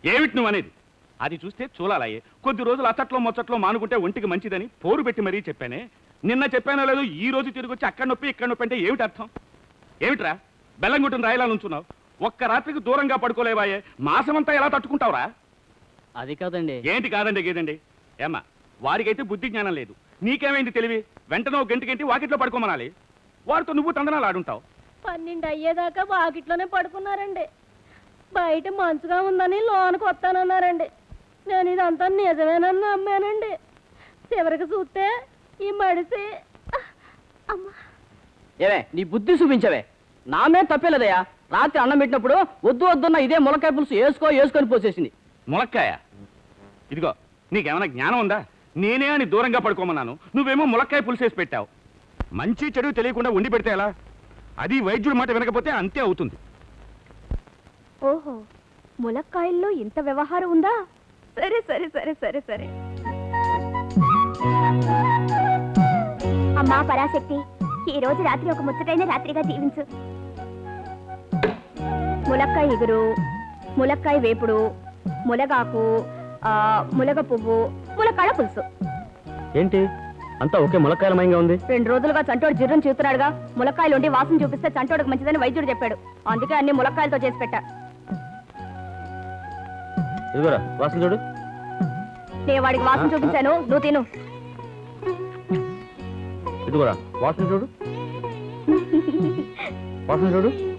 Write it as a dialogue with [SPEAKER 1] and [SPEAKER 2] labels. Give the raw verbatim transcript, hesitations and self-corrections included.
[SPEAKER 1] ఏమిటి నువ్వు అనేది? అది చూస్తే చూలాలయ్యే. కొద్ది రోజులు అచ్చట్లో మొచ్చట్లో మానుకుంటే ఒంటికి మంచిదని పోరు పెట్టి మరీ చెప్పానే. నిన్న చెప్పానో లేదు, ఈ రోజు తిరిగి వచ్చి అక్కడ నొప్పి ఇక్కడ నొప్పి అంటే ఏమిటి అర్థం? ఏమిట్రా బెల్లం కొట్టిన రాయిలా నుంచున్నావు? ఒక్క రాత్రికి దూరంగా పడుకోలేవాయే, మాసమంతా ఎలా తట్టుకుంటావురా?
[SPEAKER 2] అది కాదండి.
[SPEAKER 1] ఏంటి కాదండి గేదండి? ఏమ్మా, వారికైతే బుద్ధి జ్ఞానం లేదు, నీకేమైంది తెలివి? వెంటనే ఒక గంట గంటి వాకిట్లో పడుకోమనాలి. వారితో నువ్వు తందనాలు ఆడుంటావు.
[SPEAKER 3] పన్నెండు అయ్యేదాకా వాకిట్లోనే పడుకున్నారండి. బయట మంచుగా ఉందని లోనికి వస్తానన్నారండి. నేను ఇదంతా నిజమేనని నమ్మానండి. చివరికి చూస్తే ఈ మడిసి అమ్మా.
[SPEAKER 2] ఏవే నీ బుద్ధి చూపించవే. నామే తప్పేలేదయ్యా. రాత్రి అన్నం పెట్టినప్పుడు వద్దు వద్దున్న ఇదే ములక్కాయ పులుసు వేసుకో వేసుకొని పోసేసింది.
[SPEAKER 1] ములక్కాయ? ఇదిగో, నీకేమైనా జ్ఞానం ఉందా? నేనే అని దూరంగా పడుకోమన్నాను, నువ్వేమో ములక్కాయ పులుసేసి పెట్టావు. మంచి చెడు తెలియకుండా ఉండి పెడితే ఎలా? అది వైద్యుడి మాట వినకపోతే అంతే అవుతుంది.
[SPEAKER 3] ఓహో, ములక్కాయల్లో ఇంత వ్యవహారం ఉందా? సరే సరే సరే సరే సరే.
[SPEAKER 4] అమ్మా పరాశక్తి, ఈ రోజు రాత్రి ఒక ముచ్చటైన రాత్రిగా దీవించు. ములక్కాయ ఎగురు, ములక్కాయ వేపుడు, ములగాకు, ములగ పువ్వు, ములక్కాడ పులుసు.
[SPEAKER 2] ఏంటి అంతా ఒకే ములక్కాయలమయంగా ఉంది?
[SPEAKER 4] రెండు రోజులుగా చంటోడు జిర్రం చూస్తున్నాడుగా. ములక్కాయలు ఉండి వాసన చూపిస్తే చంటోడుకు మంచిదని వైద్యుడు చెప్పాడు. అందుకే అన్ని ములక్కాయలతో చేసి పెట్టా.
[SPEAKER 2] ఇదిగోరా వాసన చూడు.
[SPEAKER 4] నేను వాడికి వాసన చూపించాను, నువ్వు తిను.
[SPEAKER 2] ఇదిగోరా వాసన చూడు, వాసన చూడు.